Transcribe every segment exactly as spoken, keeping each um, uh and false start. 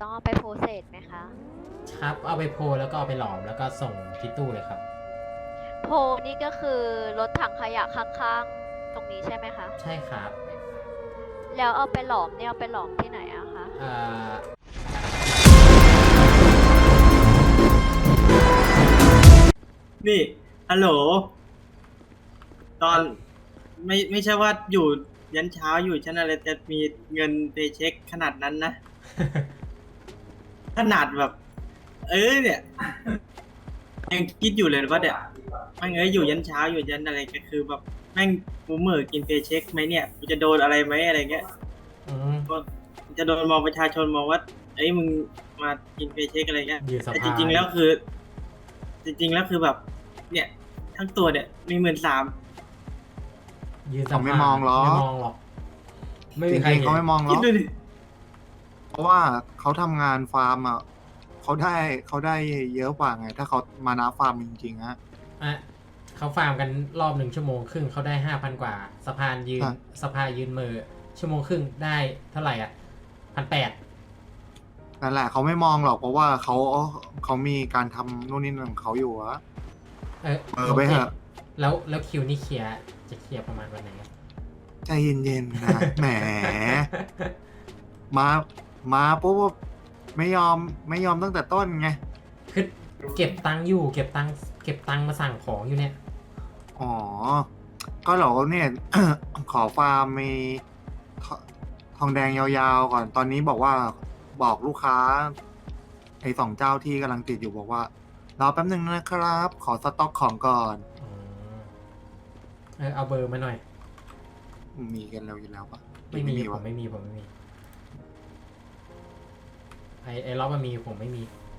ต้องเอาไปโพสเซสไหมคะครับเอาไปโพลแล้วก็เอาไปหลอมแล้วก็ส่งที่ตู้เลยครับโพลนี่ก็คือรถถังขยะข้างๆตรงนี้ใช่ไหมคะใช่ครับแล้วเอาไปหลอมเนี่ยเอาไปหลอมที่ไหนอะคะเอ่อนี่ฮัลโหลตอนไม่ไม่ใช่ว่าอยู่ยันเช้าอยู่ฉันอะไรจะมีเงินไปเช็คขนาดนั้นนะ ขนาดแบบ เออเนี่ยยังคิดอยู่เลยว่าเดี๋ยวแม่งเอ้ยอยู่ยันเช้าอยู่ยันอะไรก็คือแบบแม่งกูเหม่อกินเพย์เช็คไหมเนี่ยกูจะโดนอะไรไหมอะไรเงี้ยอืมก็จะโดนมองประชาชนมองว่าเอ้ยมึงมากินเพย์เช็คอะไรเงี้ยยืนสแต่จภาริงๆแล้วคือ จริงๆแล้วคือแบบ เนี่ย ทั้งตัวเนี่ยมีหมื่นสามยืนสเขาภาไม่มองหรอกไม่มองหรอกไม่จมีใครริงๆเห็นเขาไม่มองหรคิอดกดูดิเพราะว่าเขาทำงานฟาร์มอ่ะเขาได้เขาได้เยอะกว่าไง ถ้าเขามานาฟาร์มจริงๆฮะอ่ะเขาฟาร์มกันรอบหนึ่งชั่วโมงครึ่งเขาได้ห้าพันกว่าสะพานยืนครับสะพานยืนมือชั่วโมงครึ่งได้เท่าไหร่อ่ะพันแปดนั่นแหละเขาไม่มองหรอกเพราะว่าเขาเขามีการทำนู่นนี่นั่นของเขาอยู่อะเออเออไปเถอะแล้วแล้วคิวนี่เคลียร์จะเคลียร์ประมาณวันไหนอะใจเย็นๆนะ แหม มามาปุ๊บไม่ยอมไม่ยอมตั้งแต่ต้นไงคือเก็บตังค์อยู่เก็บตังค์เก็บตังค์มาสั่งของอยู่เนี่ยอ๋อ ก็เหรอเนี่ย ขอฟาร์มมีททองแดงยาวๆก่อน ตอนนี้บอกว่าบอกลูกค้า ไอ้สองเจ้าที่กำลังติดอยู่บอกว่า รอแป๊บหนึ่งนะครับ ขอสต็อกของก่อนอืมเออเอาเบอร์มาหน่อยมีกันแล้วอยู่แล้วปะไม่มีผมวะไม่มีผมไม่มีไอไอล็อบมันมีผมไม่มี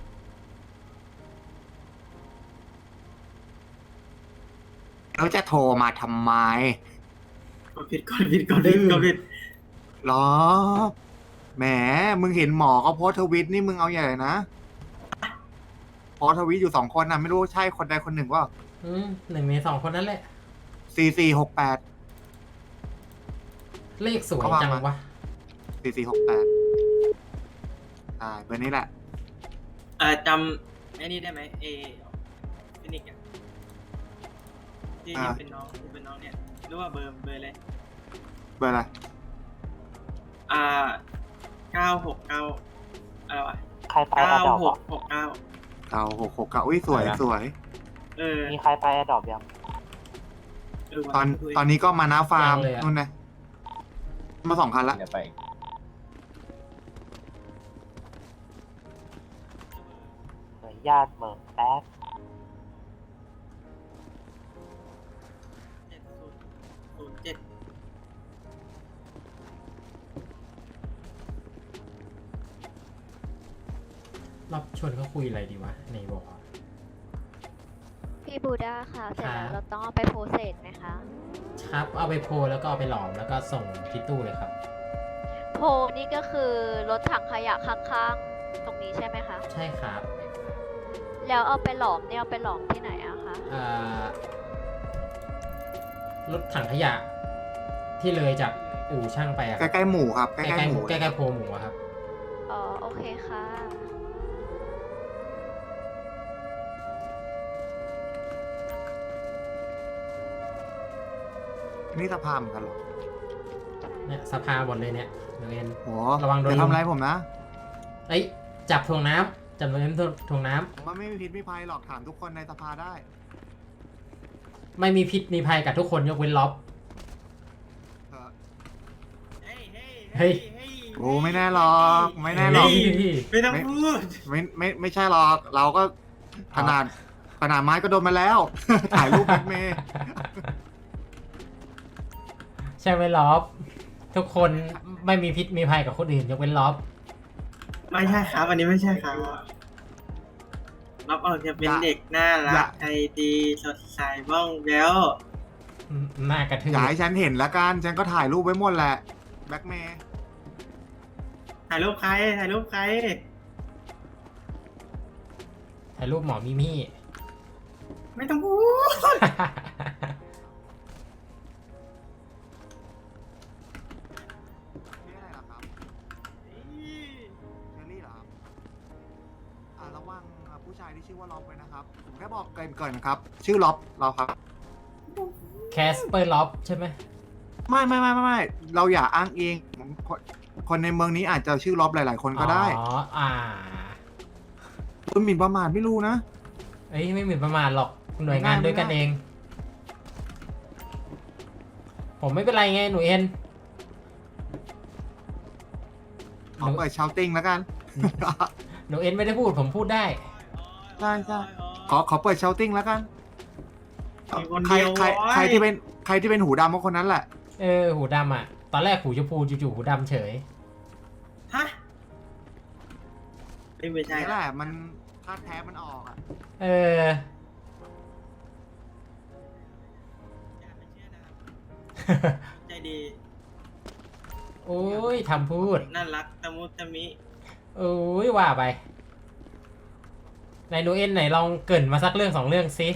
แล้วจะโทรมาทำไมกดผิดกดผิดกดผิดกดผิดหรอ แหม มึงเห็นหมอเขาโพสต์ทวิตนี่มึงเอาใหญ่เลยนะโพสต์ทวิตอยู่สองคนนะไม่รู้ใช่คนใดคนหนึ่งว่าอืมหนึ่งในสองคนนั้นแหละสี่สี่หกแปดเลขสวยเขาว่าจังมาวะสี่สี่หกแปดใช่เบอร์นี้แหละเอ่อจำไอ้นี่ได้ไหมเอฟินิกอะที่อ่าเป็นน้องที่เป็นน้องเนี่ยรู้ว่าเบอร์เบอร์อะไรเบอร์อะไรอ่าเก้าหกเก้าอะไรวะใครไปเก้าแอดดอปหอ่ะกหกเก้าเก้าหกหกเก้าอุ้ยสวยสวยเออมีใครไปแอดดอปยังเออว่ะตอนคุยตอนนี้ก็มานาฟาร์มยังเลยอะนู่นนะมาสองคันละเดี๋ยวไปเดี๋ยวญาติเหมินแป๊บเจ็ดศูนย์ศูนย์เจ็ดรอบชวนเขาคุยอะไรดีวะในบอกอะพี่บูด้าค่ะเสร็จแล้วครับเราต้องเอาไปโพสเซสไหมคะครับเอาไปโพลแล้วก็เอาไปหลอมแล้วก็ส่งที่ตู้เลยครับโพลนี่ก็คือรถถังขยะข้างๆตรงนี้ใช่ไหมคะใช่ครับแล้วเอาไปหลอมเนี่ยเอาไปหลอมที่ไหนอะคะเอ่อรถถังขยะ ที่เลยจากอู่ช่างไปอะใกล้ๆหมูครับใกใกล้ล้ๆหมูๆใกล้ๆโพลหมูอะครับอ๋อโอเคค่ะนี่สภาพเหมือนกันเหรอเนี่ยสภาหมดเลยเนี่ยเดี๋ยวเอ็นโหระวังโดนอย่าทำอะไรผมนะเอ้ยจับถ่วงน้ำจับโดนเอ็มถ่วงน้ำผมว่าไม่มีพิษไม่ภัยหรอกถามทุกคนในสภาได้ไม่มีพิษมีภัยกับทุกคนยกเว้นล็อบเออเฮ้ยเฮ้ยเฮ้ยเฮ้ยโอ้ไม่แน่หรอกไม่แน่หรอกเฮ้ยไม่ต้องพูดไม่ไม่ไม่ใช่หรอก เราก็ขนาดขนาดไม้ก็โดนมาแล้ว ถ่ายรูปแบ็คเมย์ใช่ไหมล็อบ ทุกคนไม่มีพิษมีภัยกับคนอื่นยกเว้นล็อบไม่ใช่ครับอันนี้ไม่ใช่ครับรับออกจะเป็นเด็กน่ารักใจดีสดใสบ้องแบ้วหน้ากระทืบอย่าให้ฉันเห็นละกัน ฉันก็ถ่ายรูปไว้หมดแหละ แบ็คเมย์ถ่ายรูปใครถ่ายรูปใครถ่ายรูปหมอมิมี่ไม่ต้องพูดนี่อะไรเหรอครับเชอรี่เหรอครับผู้ชายที่ชื่อว่าล็อบไว้นะครับ ผมแค่บอกเกรินเกินนะครับ ชื่อล็อบเราครับแคสเปอร์ล็อบใช่ไหมไม่ไม่ไม่ไม่ไม่เราอย่าอ้างเองผมคนคนในเมืองนี้อาจจะชื่อล็อบหลาย ๆ คนก็ได้อ๋ออ่าคุณหมิ่นประมาทไม่รู้นะเอ้ยไม่หมิ่นประมาทหรอกหน่วยงานด้วยกันเอง ผมไม่เป็นไรไงหนูเอ็นขอเปิดชาวติ้งแล้วกันหนูเอ็นไม่ได้พูดผมพูดได้ใช่ใช่ ขอขอเปิดชาวติ้งแล้วกันมีคนใครเดียวใครโว้ยใครที่เป็นใครที่เป็นหูดำก็คนนั้นแหละเออหูดำอ่ะ ตอนแรกหูชมพูจู่ๆหูดำเฉยฮะไม่ไม่ใช่นี่แหละละมันถ้าแท้มันออกอ่ะเอออย่าไปเชื่อนะครับใจดีโอ้ยทำพูดน่ารักตะมุตะมิโอ้ยว่าไปไหนหนูเอ็นไหนลองเกรินมาสักเรื่องสองเรื่องสิ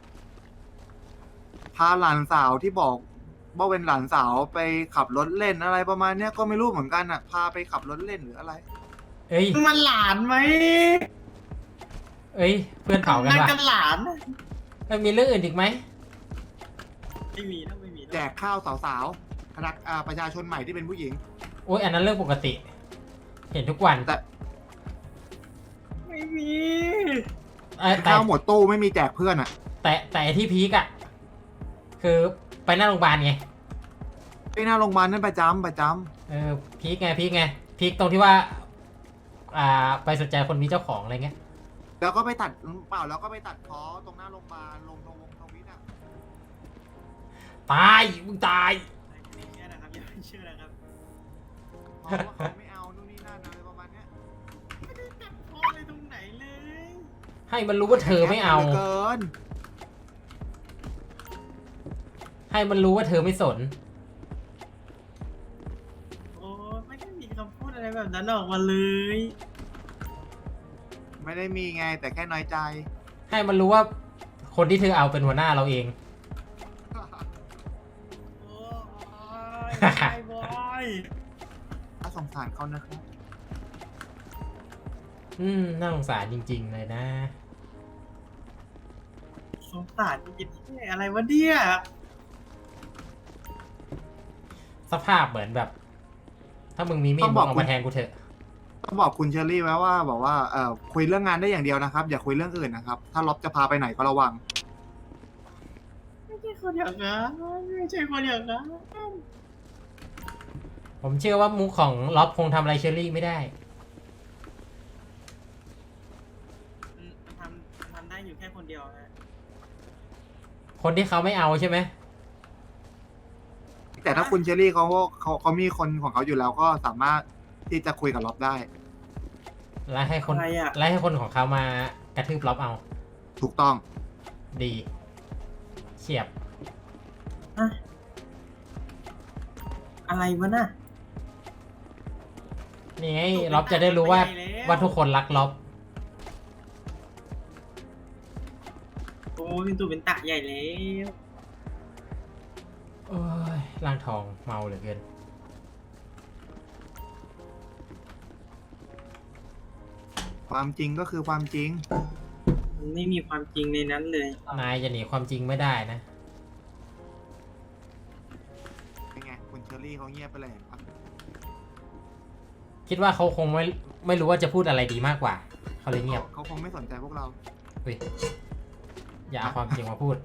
พาหลานสาวที่บอกว่าเป็นหลานสาวไปขับรถเล่นอะไรประมาณเนี้ยก็ไม่รู้เหมือนกันอ่ะ พาไปขับรถเล่นหรืออะไรเอ้ยมันหลานไหมเอ้ย เพื่อนเผากันนั่นว่ะกันหลานเอ้ยมีเรื่องอื่นอีกไหมไม่มีนะไม่มีนะแจกข้าวสาวๆพนักอ่าประชาชนใหม่ที่เป็นผู้หญิงโอ้ยอันนั้นเรื่องปกติ เห็นทุกวันแต่ไม่มีเอ้ยแต่ข้าวหมดตู้ไม่มีแจกเพื่อนอ่ะแต่แต่ที่พีกอะคือไปหน้าโรงพยาบาลไงไปหน้าโรงพยาบาลนั่นประจำประจเออพีกไงพีกไงพีกตรงที่ว่า อ่า ไปสนใจคนมีเจ้าของอะไรเงี้ยำแล้วก็ไปตัดเปล่าแล้วก็ไปตัดคอตรงหน้าโรงพยาบาลลงตรงวงทวิตอ่ะตายมึงตายไม่เชื่อนะครับอย่าไปเชื่อนะครับเพราะว่าเขาไม่เอานู่นนี่นั่นอะไรประมาณเนี้ยไม่ได้ตัดพ่อเลยตรงไหนเลยให้มันรู้ว่าเธอไม่เอาหลืเกินให้มันรู้ว่าเธอไม่สนโอ้ไม่ได้มีคำพูดอะไรแบบนั้นออกมาเลยไม่ได้มีไงแต่แค่น้อยใจให้มันรู้ว่าคนที่เธอเอาเป็นหัวหน้าเราเองโอ้ยบอยบอยถ้าสงสารเขานะครับอืมน่าสงสารจริง ๆ เลยนะสงสารจริงๆอะไรวะเนี่ยสภาพเหมือนแบบ ถ้ามึงมีมีดต้องมึบอกงเอาคุณมาแทนกูเถอะต้องบอกคุณเชอรี่ไว้ว่าบอกว่าเออคุยเรื่องงานได้อย่างเดียวนะครับ อย่าคุยเรื่องอื่นนะครับ ถ้าล็อบจะพาไปไหนก็ระวังไม่ใช่คนอย่างนั้นไม่ใช่คนอย่างนั้นผมเชื่อว่ามุกของล็อบคงทำอะไรเชอรี่ไม่ได้อืมมันทำมันทำได้อยู่แค่คนเดียวนะคนที่เขาไม่เอาใช่ไหมแต่ถ้าคุณเชอรี่เขาเขาเขามีคนของเขาอยู่แล้วก็สามารถที่จะคุยกับล็อบได้และให้คนอะไรอ่ะและให้คนของเขามากระทืบล็อบเอาถูกต้องดี เฉียบอะอะไรวะน่ะนี่ไงล็อบจะได้รู้ว่าไปแล้วว่าทุกคนรักล็อบโอ้ยเป็นตัวเป็นตะใหญ่แล้วโอ้ยร่างทองเมาเหลือเกินความจริงก็คือความจริงมันไม่มีความจริงในนั้นเลยนายจะหนีความจริงไม่ได้นะเป็นไงคุณเชอรี่เขาเงียบไปเลยเห็นปะคิดว่าเขาคงไม่ไม่รู้ว่าจะพูดอะไรดีมากกว่า เขาเลยเงียบเขาคงไม่สนใจพวกเราเฮ้ยอย่าเอาความจริงมาพูด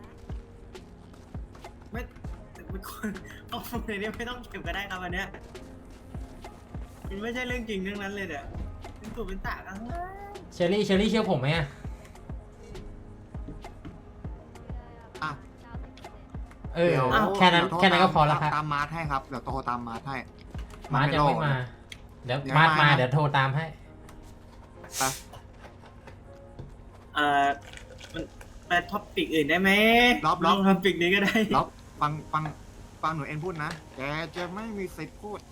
ไม่เป็นคนเอาในนี้ไม่ต้องเก็บก็ได้ครับอันเนี้ยมันไม่ใช่เรื่องจริงเรื่องนั้นเลยเนี่ยเป็นตัวเป็นตะกันนะเชอรี่เชอรี่เชื่อผมไหมอะอ่ะเออเดี๋ยวแค่นั้นเดี๋ยวโทรแค่นั้นก็พอแล้วตามครับตามมาร์ทให้ครับ เดี๋ยวโทรตามมาร์ทให้มาร์ทยังไม่มา เดี๋ยวยังมาร์ทไม่มามานะเดี๋ยวโทรตามให้ไปเอ่อมันไปท็อปปิกอื่นได้ไหมรอบรอบลงท็อปปิกนี้ก็ได้แล้วฟังฟังฟังหนูเอ็นพูดนะ แกจะไม่มีสิทธิ์พูด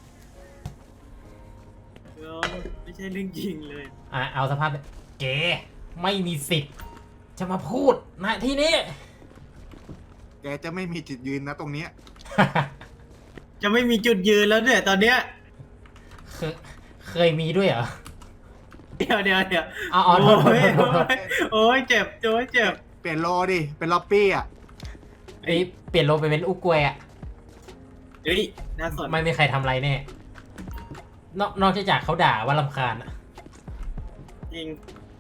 เออไม่ใช่เรื่องจริงเลยอ่ะเอาสภาพเก๋ไม่มีสิทธิ์ จะมาพูดนะที่นี้แกจะไม่มีจุดยืนนะตรงเนี้ยจะไม่มีจุดยืนแล้วเนี่ยตอนเนี้ยเคยเคยมีด้วยเหรอเดี๋ยวเดี๋ยวเดี๋ยวเอาเอาโทษโทษโอ้ยโทษโทษโอ้ยเจ็บโอ้ยเจ็บเปลี่ยนโลดิ เป็นล็อบบี้อ่ะไอ้เปลี่ยนโลไปเป็นอุกวยอะเฮ้ยน่าสนไม่มีใครทำอะไรแน่นอกนอกจากเขาด่าว่าลำคาญอะจริง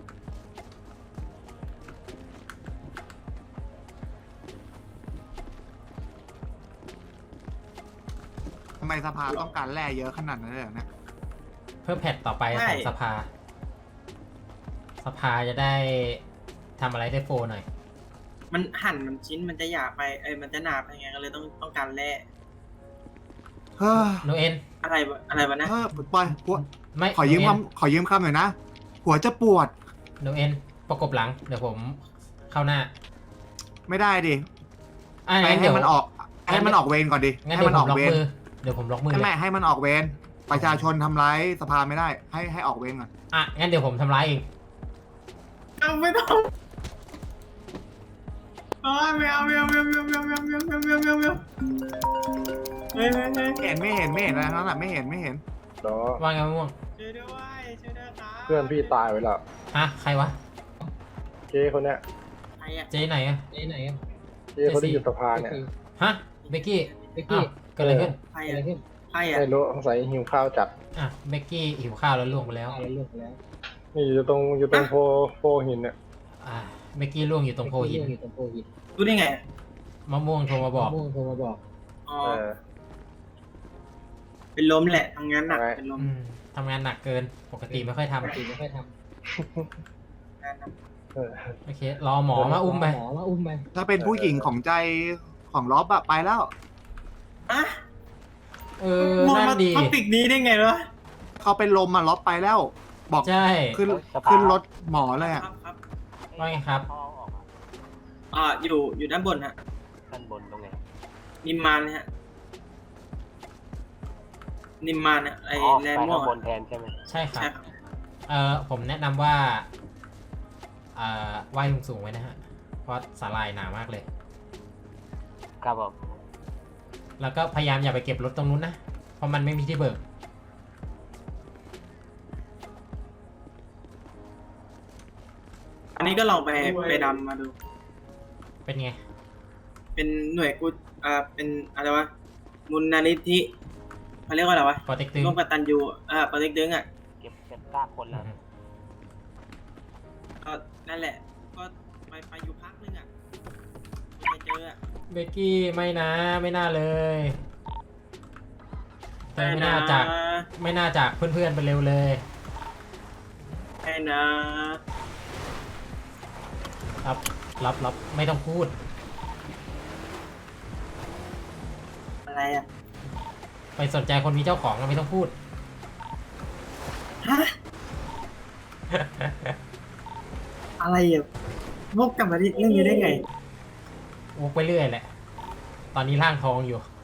ทำไมสภาต้องการแร่เยอะขนาดนั้นเลยเหรอเนี่ยเพื่อแพทต่อไปของสภา สภาจะได้ทำอะไรได้โฟหน่อยมันหั่นมันชิ้นมันจะหยาบไปเอ้ยมันจะหนาไปไงก็เลยต้องต้องการแร่เฮ้ยโนเอ็นอะไรวะอะไรวะนะเฮ้ยปล่อยหัวไม่ขอยืมโนเนคำขอยืมคำหน่อยนะ หัวจะปวดโนเอ็นประกบหลัง เดี๋ยวผมเข้าหน้าไม่ได้ดิอ่ะให้งั้นให้เดี๋ยวมันออก ให้มันออกเวรก่อนดิงั้นให้เดี๋ยมัวน ผออมกล็อกเวรมือ เดี๋ยวผมล็อกมือให้เลแม่ยให้มันออกเวร ประชาชนทำร้ายสภาไม่ได้ ให้ให้ออกเวรก่อนอ่ะ งั้นเดี๋ยวผมทำร้ายเองเอาไม่ต้องโอ้ยไม่เอาไม่เอาไม่เอาไม่เอาไม่เอาไม่เอาไม่เอาไม่เอาไม่เอาไม่เอาไม่เอาเฮ้ยเฮ้ยเฮ้ยไม่เห็นไม่เห็นไม่เห็นอะไรทั้งนั้นแหละไม่เห็นไม่เห็นเนาะว่าไงมะม่วงช่วยด้วยช่วยด้วยครับเพื่อนพี่ตายไปแล้วฮะ ใครวะเจ๊คนเนี้ยใครอะเจ๊ไหนอะเจ๊ไหนอะเจ๊คนที่อยู่สภาเนี่ยฮะ เบกกี้ เบกกี้ เกิดอะไรขึ้นใครอะใครอะไม่รู้สงสัยหิวข้าวจัดอ่ะ เบกกี้หิวข้าวแล้วล่วงไปแล้วนี่อยู่ตรงอยู่ตรงโพโพหินเนี่ยอ่ะ เบกกี้ล่วงอยู่ตรงโพหินรู้ได้ไงอะมะม่วงโทรมาบอกอ๋อเออเป็นลมแหละทำงานหนักอะไรเป็นลมอืมทำงานหนักเกิน ปกติไม่ค่อยทำงานหนักเออโอเค รอหมอมาอุ้มไปถ้าเป็นผู้หญิงของใจของล็อบอะไปแล้วอะเออมองนั่มานดีท็อปิกนี้ได้ไงวะเขาเป็นลมอะล็อบไปแล้ว บอกใช่ขึ้นสภาขึ้นรถหมอเลยคอะรับครับว่าไงครับเขาเอาออกมาอ่าอยู่อยู่ด้านบนฮะด้านบนตรงไหนนิมมานนะฮะนิมมานอะไออ๋อแลไปนด์ม่วข้าง งบอะนแทนใช่ไหมใช่ครับใช่ครับเอ่อ ผมแนะนำว่า เอ่อไหว้สูงๆไว้นะฮะ เพราะสาลายหนามากเลยครับผมแล้วก็พยายามอย่าไปเก็บรถตรงนู้นนะ เพราะมันไม่มีที่เบิกอันนี้ก็ลองไปไปดำมาดูเป็นไงเป็นหน่วยกูอ่าเป็นอะไรวะมูลนิธิเขาเรียกว่าอะไรวะปอเต็กตึงร่วมกตันยูอ่าโปรเจกต์ดึงอ่ะเก็บเก็บซากคนแล้วก็นั่นแหละ ก็ไปไปอยู่พักนึงอ่ะไปเจออ่ะเบกกี้ไม่นะ ไม่น่าเลยแต่ไม่น่าจาก ไม่น่าจากเพื่อนๆไปเร็วเลยไอ้นะรับ รับ รับ ไม่ต้องพูดอะไรอ่ะไปสนใจคนมีเจ้าของก็ไม่ต้องพูดฮะ อะไรอ่ะวกกลับมาที่เรื่องนี้ได้ไงวกไปเรื่อยแหละ ตอนนี้ร่างทองอยู่